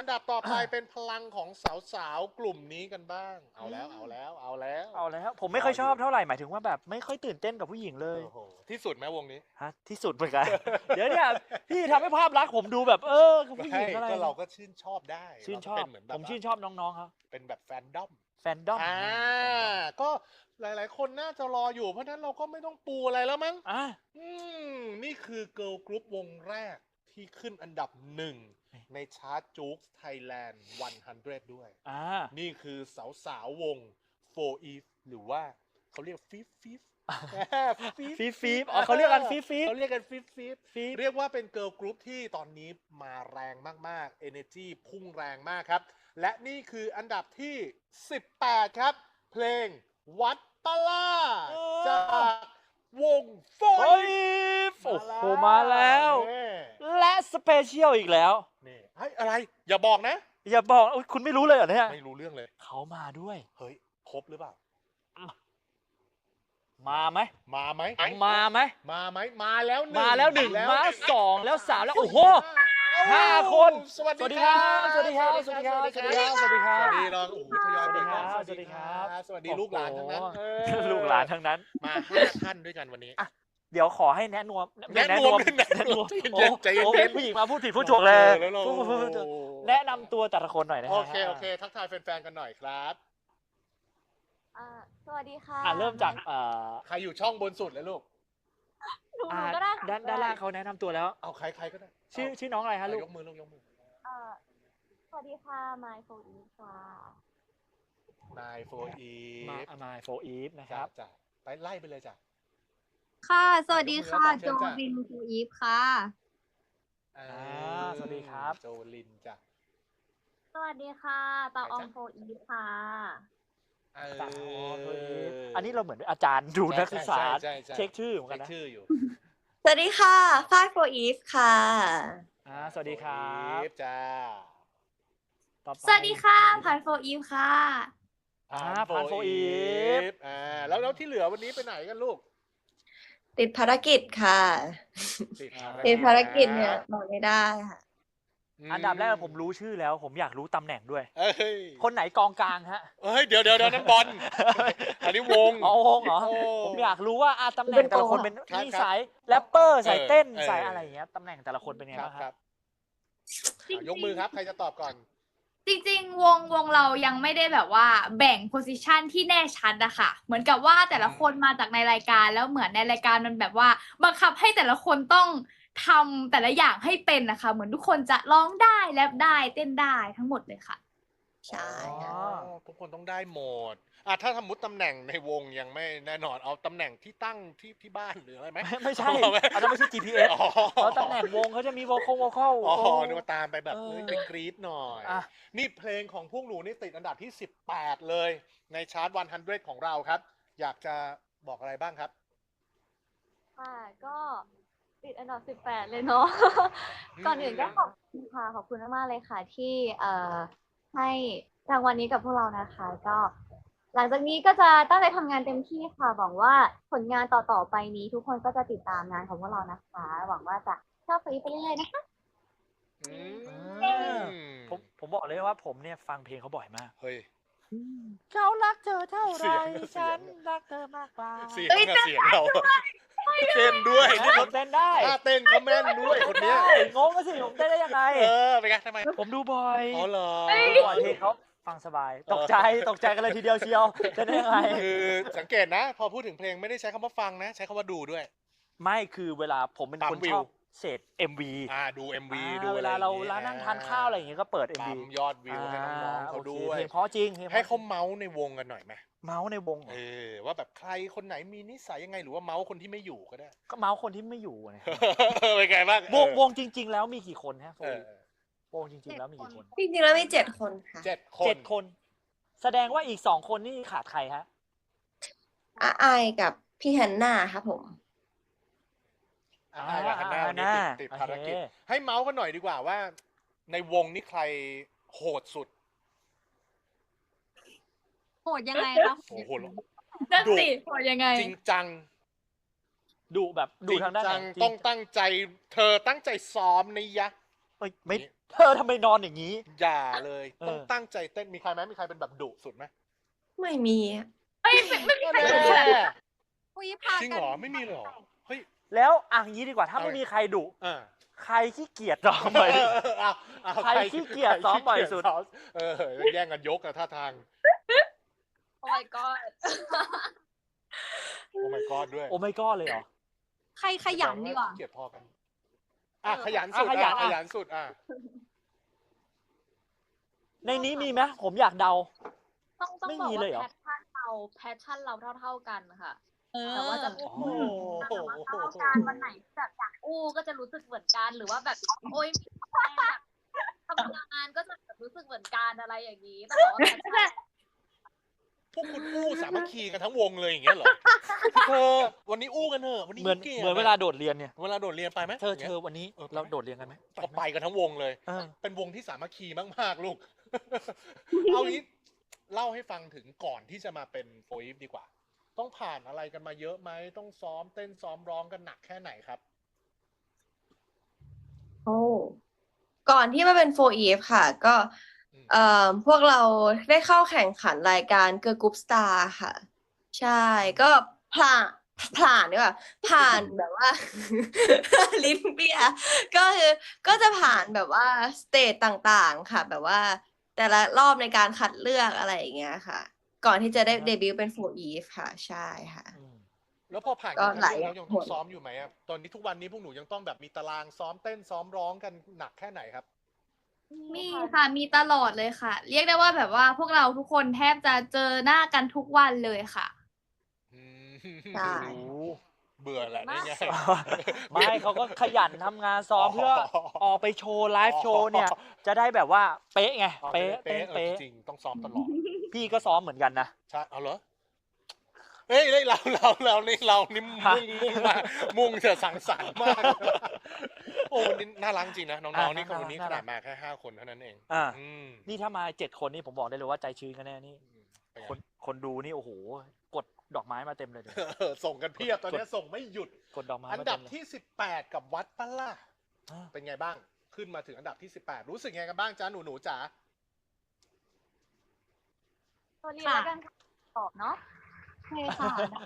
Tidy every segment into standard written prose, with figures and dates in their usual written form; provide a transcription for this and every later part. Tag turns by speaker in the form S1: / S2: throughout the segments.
S1: ดับต่อไปเป็นพลังของสาวๆกลุ่มนี้กันบ้าง เอาแล้ว
S2: ผมไม่ค่อยชอบเท่าไหร่หมายถึงว่าแบบไม่ค่อยตื่นเต้นกับผู้หญิงเลย
S1: โอ้โหที่สุดไหมวงนี้
S2: ฮะที่สุดเหมือนกัน เดี๋ยวเนี่ยพี่ทำให้ภาพลักษณ์ผมดูแบบกับผู้หญิงอะไร
S1: ก็เราก็ชื่นชอบได้
S2: ชื่นชอบ
S1: เราก็เป็นเหมือนแบบ
S2: ผมชื่นชอบน้องๆเขา
S1: เป็นแบบแฟนดอม
S2: แฟนดอม
S1: ก็หลายๆ คนน่าจะรออยู่เพราะฉะนั้นเราก็ไม่ต้องปูอะไรแล้วมั้ง
S2: อ่ะ
S1: นี่คือเกิร์ลกรุ๊ปวงแรกที่ขึ้นอันดับหนึ่งในชาร์ตจู๊กไทยแลนด์100 ด้วย นี่คือสาวๆวง 4 Eve หรือว่าเขาเรียกฟีฟ
S2: ฟีฟเขาเรียกกันฟีฟ
S1: เขาเรียกกันฟีฟเรียกว่าเป็นเกิร์ลกรุ๊ปที่ตอนนี้มาแรงมากๆ Energy พุ่งแรงมากครับ และนี่คืออันดับที่ 18 ครับ เพลงวัดตะล่าจากวงโฟ
S2: โอ้โหมาแล้ว และสเปเชียลอีกแล้ว
S1: นี่อะไรอย่าบอกนะ
S2: อย่าบอกคุณไม่รู้เลยเหรอเนี่ย
S1: ไม่รู้เรื่องเลย
S2: เขามาด้วย
S1: เฮ้ยครบหรือเปล่า
S2: มาไหม
S1: มาไหม
S2: มาไหม
S1: มาไหมมาแล้วหนึ่ง
S2: มาแล้วหนึ่งมาสองแล้วสามแล้วโอ้โห 5 คน
S1: สวัส
S2: สวัส
S1: ดี
S2: ดี
S1: ค
S2: ค
S1: รั
S2: รับ บสวัสดีครับสวัสดีครับสวัสดีครับสวัสดีครับ
S1: สวัสดีเราโอ้โหทยอยเปิดกล้อง
S2: สวัสดีครับ
S1: สวัสดีลูกหลานทั้งนั้น
S2: ลูกหลานทั้งนั้น
S1: มา5 ท่านด้วยกันวันนี้
S2: เดี๋ยวขอให้แนะนวม
S1: แนะนวมใจเย็น
S2: โอ้ผู้หญิงมาพูดผิดพูดถูกเลย แนะนำตัวแต่ละคนหน่อยนะฮะ
S1: โอเคทักทายแฟนๆกันหน่อยครับ
S3: สวัสดีค่ะ
S2: เริ่มจาก
S1: ใครอยู่ช่องบนสุดเลยลูก
S3: หนูก็ได้
S2: ด้านล่างเขาแนะนำตัวแล้ว
S1: เอาใครก็ได้
S2: ชื่อน้องอะไรฮะลูก
S1: ยกมือลูกยกมือ
S3: สวัสดีค่ะไมค์โฟอีค่ะ
S1: นายโฟอี
S2: มาโฟอีฟนะครับ
S1: จ้ะไปไล่ไปเลยจ้ะ
S3: ค่ะ สวัสดีค่ะ
S1: เชิ
S3: โจ
S1: ญจ้ะ
S3: วินโฟอีฟค่ะ
S2: สวัสดีครับ
S1: โจลินจ้ะ
S3: สวัสดีค่ะตาอองโฟอีฟค่ะ
S2: อันนี้เราเหมือนอาจารย์ดูนักศึกษา
S1: ใช่
S2: เช็คชื่อเหมือนกัน
S1: เช็ค
S2: นะ
S1: ชื่ออยู่
S4: สวัสดีค่ะฝ้ายโฟอีฟค่ะ
S2: สวัสดีครับ
S1: โฟอีฟจ้า
S2: ต่อไป
S3: สวัสดีค่ะพันโฟอีฟค่ะ
S2: พันโฟอีฟ
S1: แล้วที่เหลือวันนี้ไปไหนกันลูก
S4: ติดภารกิจค่ะ ติดภารกิจเนี่ยบอกไม่ได้ค่ะ
S2: อันดับแรกผมรู้ชื่อแล้ว ผมอยากรู้ตำแหน่งด้วย
S1: เอ้ย
S2: คนไหนกองกลางฮะ
S1: เดี๋ยวนั้นบอล อันนี้วง
S2: อ๋อวงเหรอ
S1: โอ้
S2: ผมอยากรู้ว่าตำแหน่งแต่ละคนเป็น
S1: ครับ
S2: นี่สายแรปเปอร์สายเต้น
S1: เออ
S2: สายอะไรอย่างเงี้ยตำแหน่งแต่ละคนเป็นไงบ้างครับ
S1: ยกมือครับ ใครจะตอบก่อน
S3: จริงๆ วงเรายังไม่ได้แบบว่าแบ่งโพสิชันที่แน่ชัดอะค่ะ เหมือนกับว่าแต่ละคนมาจากในรายการแล้วเหมือนในรายการมันแบบว่าบังคับให้แต่ละคนต้องทำแต่ละอย่างให้เป็นนะคะ เหมือนทุกคนจะร้องได้แรปได้เต้นได้ทั้งหมดเลยค่ะ
S4: ใช่
S1: อ๋อทุกคนต้องได้หมดถ้าสมมติตำแหน่งในวงยังไม่แน่นอนเอาตำแหน่งที่ตั้งที่บ้านหรืออะไรไหม
S2: ไม่ใช่อันนั้นไม่ใช่ GPS
S1: อ๋อ
S2: เพราะตำแหน่งวงเขาจะมีโวคอล
S1: อ๋อนึกว่าตามไปแบบ
S2: เออ
S1: ไปกรี๊ดหน่อย
S2: อ่ะ
S1: นี่เพลงของพวกหนูนี่ติดอันดับที่ 18 เลย ในชาร์ต100 ของเราครับ อยากจะบอกอะไรบ้างครับ
S3: ค่ะก็ติดอันดับ 18 เลยเนาะ ก่อนอื่นก็ขอบคุณค่ะ ขอบคุณมากๆเลยค่ะที่ให้รางวัลนี้กับพวกเรานะคะ ก็ หลังจากนี้ก็จะตั้งใจทำงานเต็มที่ค่ะ หวังว่าผลงานต่อๆไปนี้ ทุกคนก็จะติดตามงานของพวกเรานะคะ หวังว่าจะชอบไปเรื่อยๆนะคะ
S2: ผมบอกเลยว่าผมเนี่ยฟังเพลงเขาบ่อยมาก
S1: เฮ้ย
S2: เขารักเธอเท่าไร
S1: เสียง
S2: ฉันรักเธอมากกว่า
S1: เสียงกับเสียงเราเต้นด้วยนี่
S2: ผ
S1: เขา
S2: มเต้นได้
S1: ท่าเต้นเขาแม่นด้วยคนเนี้ย
S2: งงก็สิผมเต้นได้ยังไง
S1: เป็นไงทำไม
S2: ผมดูบ่อย
S1: อ๋อเหรอ
S2: ดูบ่อยเพลงเขาฟังสบาย ตกใจกันเลยทีเดียวเชียวเต้นได้ยังไง
S1: คือสังเกตนะ พอพูดถึงเพลงไม่ได้ใช้คำว่าฟังนะ ใช้คำว่าดูด้วย
S2: ไม่คือเวลาผมเป็นคน
S1: ปั๊มวิ
S2: ช
S1: ว
S2: อบเสพ MV
S1: ดู MV ดู
S2: เว
S1: อะไร
S2: ลาเรา
S1: อย่งงี้
S2: นั่งทานข้าวอะไรอย่างเงี้ยก็เปิด MV
S1: ปั๊มยอดวิวให้น้องๆเขาด้วย
S2: เพลงเพราะจริงพลงพระ
S1: ให้เขา
S2: จริง
S1: เมาส์ในวงกันหน่อยไหม
S2: เมาส์ในวงเหรอ
S1: ว่าแบบใครคนไหนมีนิสัยยังไงหรือว่าเมาส์คนที่ไม่อยู่ก็ได้
S2: ก็เมาส์คนที่ไม่อยู่นะ
S1: เป็นไงบ้าง
S2: วงจริง ๆ แล้วมีกี่คนฮะโฟ
S1: เอ
S2: อี
S1: อ
S2: วงจริง ๆ แล้วมีกี่คน
S4: จริงๆแล้วมี7 คนค่ะ
S1: 7 คน
S2: 7 คน แสดงว่าอีก2 คนนี่ขาดใครฮะ
S4: อาไอายกับพี่ฮันน่าครับผม
S1: กับฮันน่าวันนี้ติดภารกิจ
S2: โอเค
S1: ให้เมาส์กันหน่อยดีกว่าว่า ในวงนี้ใครโหดสุด
S3: โหดยังไงคะ
S1: โอ้โห
S3: นั่นสิโหดยังไง
S1: จริงจัง
S2: ดูแบบดูทางด้านไหน
S1: จริงจังต้องตั้งใจ เธอตั้งใจซ้อมนะยะ
S2: เอ้ยไม่เธอทำไมนอนอย่างนี้
S1: อย่าเลย
S2: เออ
S1: ต้องตั้งใจเต้นมีใครไหมมีใครเป็นแบบดุสุดไหม
S4: ไม่มีอะ
S3: ไม่มีใคร
S1: แน่
S3: คุยพา
S1: จริง
S3: กั
S1: เหรอไม่มีเลยเหรอเฮ้ย
S2: แล้วอ่ะงี้ดีกว่าถ้า
S1: เอา
S2: ไม่มีใครดุ
S1: อ่า
S2: ใครขี้เกียจซ้อมบ่อยที่สุด
S1: เอา
S2: ใครขี้เกียจซ้อมบ่อยสุด
S1: เออแย่งกันยกอะท่าทาง
S3: โอ้ my god
S1: โอ้ my god ด้วย
S2: โอ้ไม่ก็เลยเหรอ
S3: ใครขยันดีกว่า
S1: ขี้เกียจพอกันอ่ะขยันสุด
S2: ขยัน
S1: ขยันสุดอ่ะ
S2: ในนี้มีไหมผมอยากเดา
S3: ต้อง
S2: ไม่
S3: บอก
S2: มีเล
S3: ว่าย
S2: เหรอ
S3: แพชชั่นเราเท่ากันค่ะ
S5: เออ
S3: แต่ว่าจะ
S1: โอ้โห
S3: แต่ว่าเท่ากันวันไหนแบบอยากอู้ก็จะรู้สึกเหมือนกันหรือว่าแบบโอ๊ยมีแรงแบบทำงานก็จะแบบรู้สึกเหมือนกันอะไรอย่างนี้ต้องบอกว่าแพชชั่น
S1: พวกคุณอู้สามัคคีกันทั้งวงเลยอย่างเงี้ยเหรอเธอวันนี้อู้กันเถอะวันนี้
S2: เหมือน
S1: ขี้กียจ
S2: เหมือนเวลาโดดเรียนเนี่ย
S1: เวลาโดดเรียนไปไหม
S2: เธอวันนี้
S1: เออ
S2: เราโดดเรียนกันไหม
S1: ก็ไปกันทั้งวงเลย
S2: เออ
S1: เป็นวงที่สามัคคีมากๆลูก เอางี้เล่าให้ฟังถึงก่อนที่จะมาเป็นโฟอีฟดีกว่า ต้องผ่านอะไรกันมาเยอะไหมต้องซ้อมเต้นซ้อมร้องกันหนักแค่ไหนครับ
S4: โอ้ก่อนที่มาเป็น4EF ค่ะ ก็พวกเราได้เข้าแข่งขันรายการเกิร์ลกรุ๊ปสตาร์ค่ะ ใช่ก็ผ่านดีกว่าผ่านแบบว่า ลิ้นเปียก็จะผ่านแบบว่าสเตจต่างๆค่ะ แบบว่าแต่ละรอบในการคัดเลือกอะไรอย่างเงี้ยค่ะ ก่อนที่จะได้เดบิวต์เป็น4EF ค่ะ ใช่ค่ะ
S2: อืม
S1: แล้วพอผ่าน
S4: ก็
S1: การ
S4: หลาย
S1: เลือกแล้วยังต้อง
S4: ผล
S1: ซ้อมอยู่ไหมครับตอนนี้ทุกวันนี้พวกหนูยังต้องแบบมีตารางซ้อมเต้นซ้อมร้องกันหนักแค่ไหนครับ
S6: มีค่ะ มีตลอดเลยค่ะ เรียกได้ว่าแบบว่าพวกเราทุกคนแทบจะเจอหน้ากันทุกวันเลยค่ะ
S1: อืม
S4: ใช่
S1: เบื่อแหละนี่ไง
S2: ไม่เขาก็ขยันทำงานซ้อมเพื่อออกไปโชว์ไลฟ์โชว์เนี่ย จะได้แบบว่าเป๊ะไง
S1: อ๋อ
S2: เป๊ะ
S1: เป๊ะ
S2: เป๊ะ
S1: จริงๆต้องซ้อมตลอด
S2: พี่ก็ซ้อมเหมือนกันนะ
S1: ใช่เอาเหรอเฮ้ยเรานี่มุ่งจะสังสรรค์มาก โอ้นี่น่ารักจริงนะน้องๆนี่คนนี้ขนาดมาแค่5 คนเท่านั้นเอง
S2: อ่า
S1: อืม
S2: นี่ถ้ามา7 คนนี่ผมบอกได้เลยว่าใจชื้นกันแน่นี่
S1: เป็นไง
S2: คนดูนี่โอ้โห กดดอกไม้มาเต็มเลยเดี๋ยว
S1: ส่งกันเพียบตอนนี้ส่งไม่หยุด
S2: กดดอกไม้
S1: อัน
S2: มา
S1: ดั
S2: เต็
S1: บ
S2: มเลย
S1: ที่18กับวัดปะล่ะ
S2: อ่า
S1: เป็นไงบ้างขึ้นมาถึงอันดับที่18รู้สึกไงกันบ้างจ้าหนูจ๋า
S3: ตัวนี้แล้วกันค่ะตอบเนาะ
S6: ใช่ค่ะ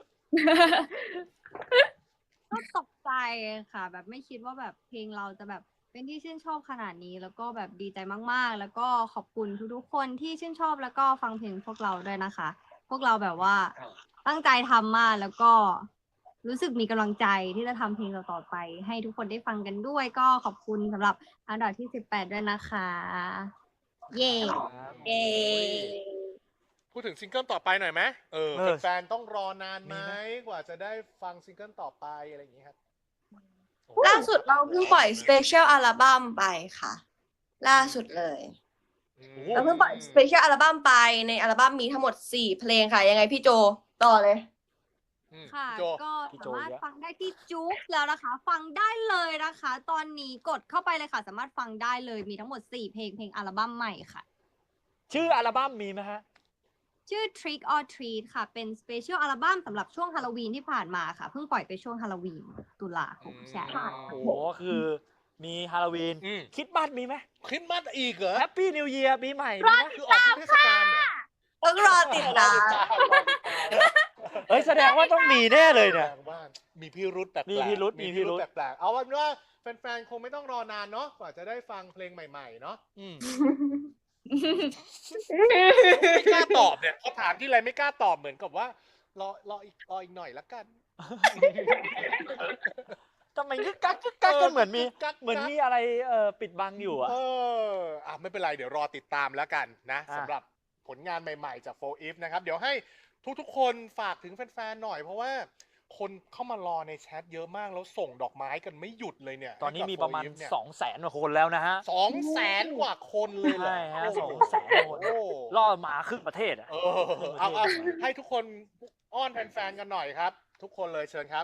S6: ก็ตกใจค่ะ แบบไม่คิดว่าแบบเพลงเราจะแบบเป็นที่ชื่นชอบขนาดนี้ แล้วก็แบบดีใจมากๆ แล้วก็ขอบคุณทุกๆคนที่ชื่นชอบแล้วก็ฟังเพลงพวกเราด้วยนะคะ พวกเราแบบว่าตั้งใจทำมากแล้วก็รู้สึกมีกำลังใจที่จะทำเพลงต่อๆไป ให้ทุกคนได้ฟังกันด้วย ก็ขอบคุณสำหรับอันดับที่18ด้วยนะคะ เย้
S4: เย้
S1: พูดถึงซิงเกิลต่อไปหน่อยไหม
S2: เออ
S1: แฟนๆต้องรอนานไหม
S2: มีไหม
S1: กว่าจะได้ฟังซิงเกิลต่อไปอะไรอย่างนี้ครับ
S4: ล่าสุดเราเพิ่งปล่อยสเปเชียลอัลบั้มไปค่ะ ล่าสุดเลย
S1: อืม
S4: เราเพิ่งปล่อยสเปเชียลอัลบั้มไปในอัลบั้มมีทั้งหมด4เพลงค่ะ ยังไงพี่โจต่อเลย
S1: อืม
S6: ค่ะ
S1: พี่โจ
S6: ก็
S2: พี่
S6: สา
S2: โจ
S6: มารถ
S2: เยอะ
S6: ฟังได้ที่จุ๊กแล้วนะคะ ฟังได้เลยนะคะ ตอนนี้กดเข้าไปเลยค่ะ สามารถฟังได้เลยมีทั้งหมด4เพลงอัลบั้มใหม่ค่ะ
S2: ชื่ออัลบั้มมีไหมฮะ
S6: ชื่อ Trick or Treat ค่ะ เป็นสเปเชียลอัลบั้มสำหรับช่วงฮาโลวีนที่ผ่านมาค่ะ เพิ่งปล่อยไปช่วงฮาโลวีนตุลาคมใช่
S2: โอ้โหคือมีฮาโลวีน
S1: อืม
S2: คริดบ้านมีไหม
S1: คริสต์มาสอีกเหรอ
S2: แฮปปี้นิวเยียร์ปีใหม่มีไหม
S1: คือออกทุกเทศกาลเหรอ
S4: ต้องรอติดตาม
S2: เฮ้ยแสดงว่าต้องมีแน่เลยเนี่ย
S1: แปลว่ามีพิรุธแปลกๆ
S2: มีพิรุธ
S1: แปลกๆเอาเป็นว่าแฟนๆคงไม่ต้องรอนานเนาะกว่าจะได้ฟังเพลงใหม่ๆเนาะ
S2: อืม
S1: ไม่กล้าตอบเนี่ยเขาถามที่ไรไม่กล้าตอบเหมือนกับว่ารออีกหน่อยละกัน
S2: ทำไมกึกกักกันเหมือนมี
S1: กึกกัก
S2: เหมือนมีอะไรปิดบังอยู่อ่ะ
S1: ไม่เป็นไรเดี๋ยวรอติดตามแล้วกันนะ
S2: อ่ะ
S1: สำหรับผลงานใหม่ๆจาก 4EF นะครับ เดี๋ยวให้ทุกๆคนฝากถึงแฟนๆหน่อยเพราะว่าคนเข้ามารอในแชทเยอะมากแล้วส่งดอกไม้กันไม่หยุดเลยเนี่ย
S2: ตอนนี้มีประมาณ
S1: ให้กับ 4EF เนี่ย
S2: 200,000 กว่าคนแล้วนะฮะ
S1: 200,000 กว่าคนเลยเหรอ
S2: ใช่ฮะ
S1: โอ้โห
S2: 200,000 คน
S1: โอ้
S2: ล่อหมาครึ่งประเทศอ่ะ
S1: เอาให้ทุกคนอ้อนแฟนๆกันหน่อยครับ ทุกคนเลยเชิญครับ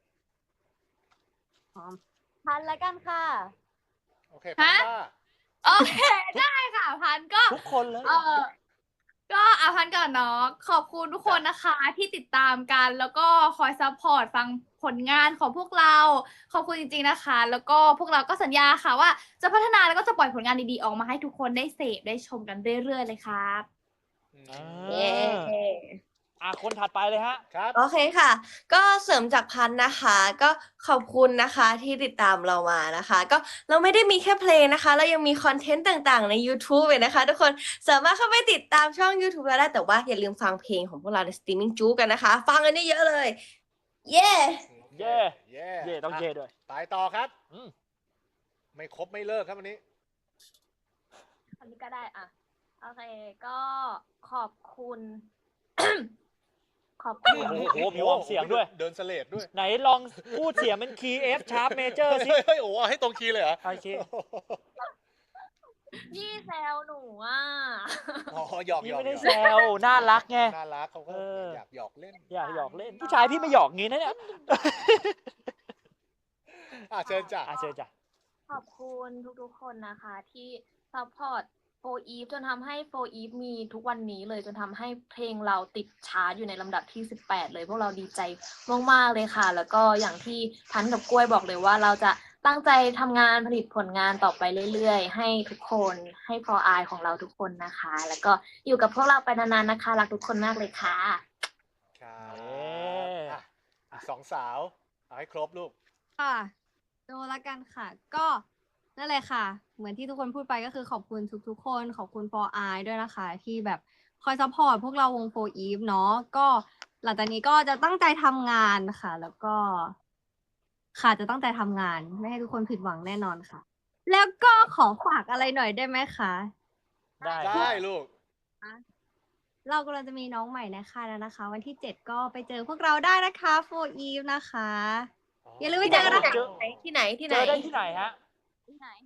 S3: พันแล้วกันค่ะ
S1: โอเคพัน
S6: ฮะ
S1: ว่า
S6: โอเค ได้ค่ะพันก็
S2: ทุกคนเลย
S6: เออ
S5: ก็อาพันก่อนเนาะขอบคุณทุกคนนะคะที่ติดตามกัน แล้วก็คอยซัพพอร์ตฟังผลงานของพวกเรา ขอบคุณจริงๆนะคะ แล้วก็พวกเราก็สัญญาค่ะว่าจะพัฒนาแล้วก็จะปล่อยผลงานดีๆออกมาให้ทุกคนได้เสพได้ชมกันเรื่อยๆเลยครับ
S2: อ่า
S4: เย้
S2: คนถัดไปเลยฮะ
S1: ครับ
S4: โอเคค่ะ ก็เสริมจากพันธุ์นะคะ ก็ขอบคุณนะคะที่ติดตามเรามานะคะ ก็เราไม่ได้มีแค่เพลงนะคะ เรายังมีคอนเทนต์ต่างๆใน YouTube เลยนะคะ ทุกคนสามารถเข้าไปติดตามช่อง YouTube เราได้ แต่ว่าอย่าลืมฟังเพลงของพวกเราในสตรีมมิ่งจู๊กันนะคะ ฟังกันเยอะๆเลย เย้
S2: เย่
S1: เย่
S2: เย่ต้องเย่ด้วย
S1: ไปต่อครับ
S2: อืม
S1: ไม่ครบไม่เลิกครับวันนี้
S3: อันนี้ก็ได้อ่ะ โอเค ก็ขอบคุณ ขอบคุณ
S2: โอ้โหมีวอร์มเสียงด้วย
S1: เดินเสลดด้วย
S2: ไหนลองพูดเสียงเป็นคีย์ F sharp major สิ
S1: เฮ้ยโอ้โหให้ตรงคีย์เลยเหรอ
S2: โอเค
S3: พี่แซวหนูอ่ะ
S1: อ๋อหยอก
S2: พี่
S1: หยอก
S2: ไม่ได้
S1: หยอก
S2: แซวน่ารักไง
S1: น่ารักเขาก็
S2: เออ
S1: อยากหยอกเล่น
S2: อยากหยอกเล่นผู้ชายพี่ไม่หยอกงี้นะเนี่ย
S1: เชิญจ้ะ
S2: เชิญจ้ะ
S3: ขอบคุณทุกๆคนนะคะ ที่ซัพพอร์ตโฟอีฟจนทำให้โฟอีฟมีทุกวันนี้เลยจนทำให้เพลงเราติดชาร์ตอยู่ในลำดับที่ 18 เลย พวกเราดีใจมากๆเลยค่ะ แล้วก็อย่างที่พันกับกล้วยบอกเลยว่าเราจะตั้งใจทำงานผลิตผลงานต่อไปเรื่อยๆ ให้ทุกคนให้พออายของเราทุกคนนะคะ แล้วก็อยู่กับพวกเราไปนานๆนะคะรักทุกคนมากเลยค่ะ
S1: ครับ
S2: เย้
S1: อ่ะอีกสองสาว เอาให้ครบลูก
S6: ค่ะโดละกันค่ะ ก็นั่นแหละค่ะ เหมือนที่ทุกคนพูดไปก็คือขอบคุณทุกๆคน ขอบคุณ for I ด้วยนะคะ ที่แบบคอยซัพพอร์ตพวกเราวง for Eve เนาะก็หลังจากนี้ก็จะตั้งใจทำงานค่ะ แล้วก็ค่ะจะตั้งใจทำงาน ไม่ให้ทุกคนผิดหวังแน่นอนค่ะ แล้วก็ขอฝากอะไรหน่อยได้ไหมคะ
S2: ได้
S1: ได้ลูก
S6: เรากำลังจะมีน้องใหม่ในค่ายแล้วนะคะ วันที่ 7 ก็ไปเจอพวกเราได้นะคะ for Eve นะคะ อย่าลืมไปเจอกันนะคะ
S4: ที่ไหนที่
S2: เจ
S4: ไหน
S2: อได้ที่ไหนฮะ
S3: ที่ไหน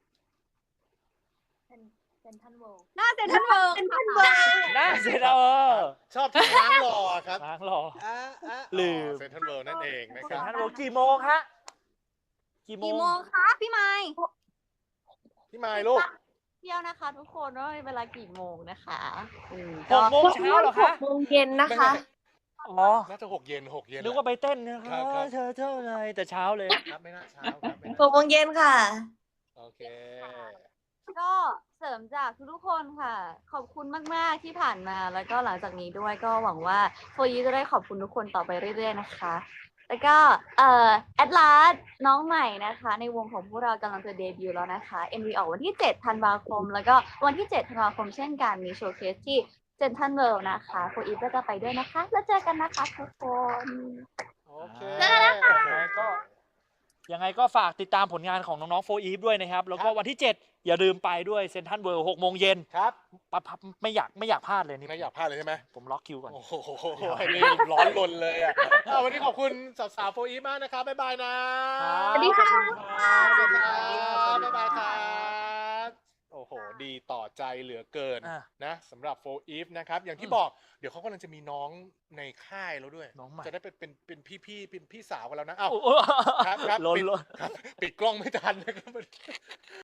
S3: เซนทันเวิลด์
S6: หน้าเซ็นทรัลเวิลด์
S2: น่าเสียดาย
S1: ชอบที่ล้างหล่อครับ
S2: ล้างรอ ลืม
S1: เซนทรัลเวิลด์นั่นเองนะค
S2: เซ็น
S1: รับ
S2: ทรัลเวิลด์กี่โมงฮะ กี่โม
S6: กี่
S2: ง
S6: โมงคะพี่ไม้
S1: พี่ไมายลูก
S3: เที่ยวนะคะ ทุกคนว่าเวลากี่โมงนะคะ
S2: 6 โมงเช้าเหรอคะ
S4: 6 โมงเย็นนะคะ
S2: อ๋อ
S1: น่าจะ6 เย็น6 เย็น
S2: นึกว่าไปเต้นนะค
S1: ครั
S2: รับบ
S1: ครับ
S2: เธอเท่าไรแต่เช้าเลย
S1: ครับไม่น่าเช้าครับไม่น่า
S4: 6 โมงเย็นค่ะ
S1: โอเค
S3: ก็เสริมจากทุกๆคนค่ะ ขอบคุณมากๆที่ผ่านมา แล้วก็หลังจากนี้ด้วยก็หวังว่าโฟยีจะได้ขอบคุณทุกคนต่อไปเรื่อยๆนะคะ แล้วก็แอดลาสน้องใหม่นะคะ ในวงของพวกเรากำลังจะเดบิวต์แล้วนะคะ MV ออกวันที่ 7 ธันวาคม แล้วก็วันที่ 7 ธันวาคมเช่นกัน มีโชว์เคสที่เซนทันเวิลด์นะคะโฟอีฟก็จะไปด้วยนะคะ แล้วเจอกันนะคะทุกคน
S1: โอเค
S2: ยังไงก็ฝากติดตามผลงานของน้องๆโฟอีฟด้วยนะครับ แล้วก็วันที่ 7 อย่าลืมไปด้วยเซนทันเวิลด์6 โมงเย็น
S1: ครับ
S2: ปั๊บไม่อยากพลาดเลยนี่
S1: ไม่อยากพลาดเลยใช่ไหม
S2: ผมล็อกคิวก่อน
S1: โอ้โหนี่ร้อนรนเลยอ่ะวันนี้ขอบคุณสาวๆโฟอีฟมากนะครับ บ๊ายบายนะ
S2: สวัสดีค่ะ
S1: สวัสดีครับบ๊ายบายครับ โอ้โห ดีต่อใจเหลือเกิน
S2: อ่ะ
S1: นะสำหรับโฟอีฟนะครับ อย่างที่บอก เดี๋ยวเขากำลังจะมีน้องในค่ายแล้วด้วย
S2: น้องใหม่
S1: จะได้เป็นพี่เป็นพี่สาวกันแล้วนะ อ้าว
S2: โอ้
S1: ครับ
S2: ล้น
S1: ปิด
S2: ล้น
S1: ครับปิดกล้องไม่ทันนะครับ